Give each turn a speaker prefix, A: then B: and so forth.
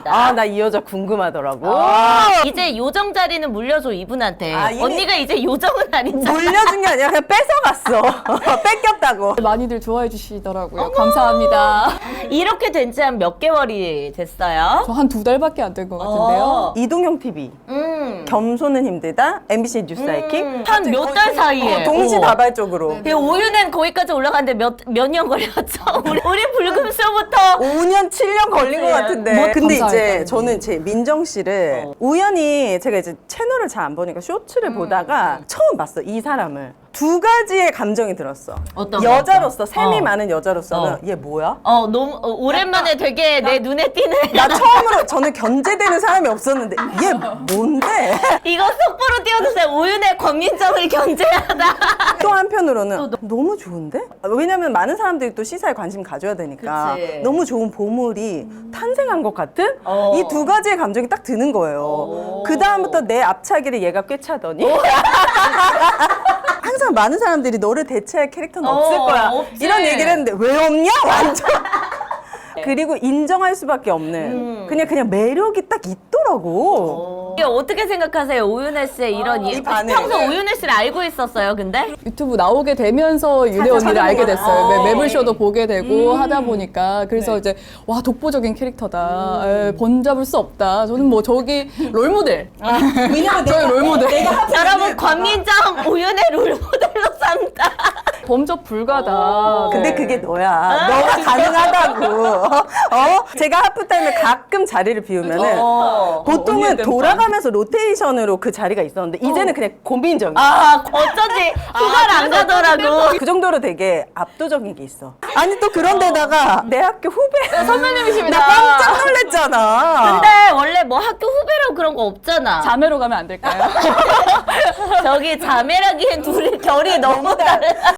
A: 아, 나 이 여자 궁금하더라고.
B: 이제 요정 자리는 물려줘 이분한테.
A: 이미-
B: 언니가 이제 요정은 아니잖아.
A: 물려준 게 아니라 그냥 뺏어갔어. 뺏겼다고.
C: 많이들 좋아해 주시더라고요. 감사합니다.
B: 이렇게 된 지 한 몇 개월이 됐어요?
C: 저 한 2달밖에 안 된 것 같은데요.
A: 이동형 TV. 겸손은 힘들다. MBC 뉴스 하이킹.
B: 한 몇 달 사이에.
A: 동시다발적으로.
B: 오유는 거기까지 올라가는데 몇 년 걸렸죠? 우리 불금쇼부터
A: 5년, 7년 걸린 것 같은데.
C: 뭐,
A: 근데 이제
C: 감사하겠다.
A: 저는 제 민정 씨를 우연히 제가 이제 채널을 잘 안 보니까 쇼츠를 보다가 처음 봤어, 이 사람을. 두 가지의 감정이 들었어.
B: 어떤
A: 여자로서,
B: 거?
A: 셈이 많은 여자로서는 얘 뭐야?
B: 너무 오랜만에 되게 내 눈에 띄는
A: 나 처음으로 저는 견제되는 사람이 없었는데 얘 뭔데?
B: 이거 속보로 띄워주세요. 오윤의 권민정을 견제하다.
A: 또 한편으로는 너무 좋은데? 왜냐면 많은 사람들이 또 시사에 관심 가져야 되니까
B: 그치.
A: 너무 좋은 보물이 탄생한 것 같은 이 두 가지의 감정이 딱 드는 거예요. 그 다음부터 내 앞차기를 얘가 꿰차더니 항상 많은 사람들이 너를 대체할 캐릭터는 없을 거야.
B: 없지.
A: 이런 얘기를 했는데 왜 없냐? 완전. 그리고 인정할 수밖에 없는 그냥 매력이 딱 있더라고.
B: 이게 어떻게 생각하세요? 오윤혜 씨의 이런
A: 이 반응.
B: 평소 오윤혜 씨를 알고 있었어요, 근데?
C: 유튜브 나오게 되면서 윤혜 언니를 알게 됐어요.
B: 아.
C: 매블쇼도 보게 되고 하다 보니까 그래서 이제 와 독보적인 캐릭터다. 번잡을 수 없다. 저는 뭐 저기 롤모델.
A: 왜냐면
C: 저희 롤모델.
B: 여러분, 권민정 오윤혜 롤모델로 삼다.
C: 범접 불가다.
A: 근데
C: 네.
A: 그게 너야. 너가 가능하다고. 제가 하프타임에 가끔 자리를 비우면은 보통은
C: 언니의
A: 돌아가면서 로테이션으로 그 자리가 있었는데 이제는 그냥 고민정이야.
B: 어쩐지 휴가를 안 가더라고.
A: 그 정도로 되게 압도적인 게 있어. 아니 또 그런데다가 내 학교 후배
C: 선배님이십니다.
A: 나 깜짝 놀랐잖아.
B: 근데 원래 뭐 학교 후배라고 그런 거 없잖아.
C: 자매로 가면 안 될까요?
B: 저기 자매라기엔 둘이 결이 너무 달라.